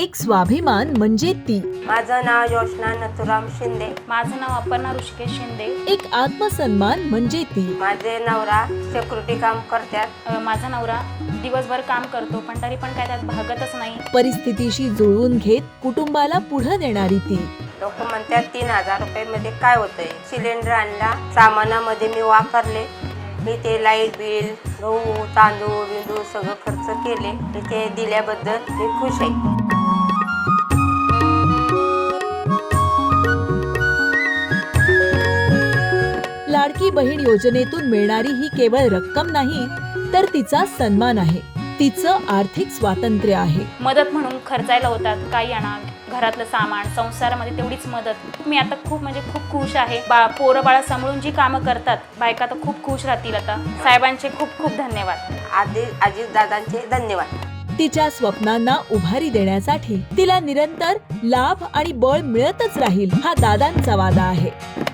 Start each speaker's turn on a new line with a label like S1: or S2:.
S1: एक स्वाभिमान म्हणजे ती.
S2: माझं नाव योशना नथुराम शिंदे.
S3: माझं नाव अपर्णा ऋषिकेश शिंदे.
S1: एक आत्मसन्मान म्हणजे ती.
S2: माझे नवरा सिक्युरिटी काम करतात.
S3: माझा नवरा दिवसभर काम करतो पण तरी पण काय त्यात भागतच नाही.
S1: परिस्थितीशी जुळवून घेत कुटुंबाला पुढे नेणारी ती.
S2: लोक म्हणतात 3000 रुपये मध्ये काय होतंय. सिलेंडर आणला, सामानामध्ये मी वापरले. मी ते लाईट बिल, गहू, तांदूळ बिंदूळ सगळं खर्च केले. ते दिल्याबद्दल मी खुश आहे.
S1: लाडकी बहीण योजनेतून मिळणारी ही केवळ रक्कम नाही तर तिचा सन्मान आहे, तिचं आर्थिक स्वातंत्र्य आहे.
S3: मदत म्हणून खर्चायला होतात, काही आणा, घरातलं सामान, संसारामध्ये तेवढीच मदत. मी आता खूप खुश आहे. पोरं बाळा सांभाळून जी कामं करतात बायका तर खूप खुश राहतील. आता साहेबांचे खूप धन्यवाद.
S2: अजितदादांचे धन्यवाद.
S1: तिच्या स्वप्नांना उभारी देण्यासाठी तिला निरंतर लाभ आणि बळ मिळतच राहील हा दादांचा वादा आहे.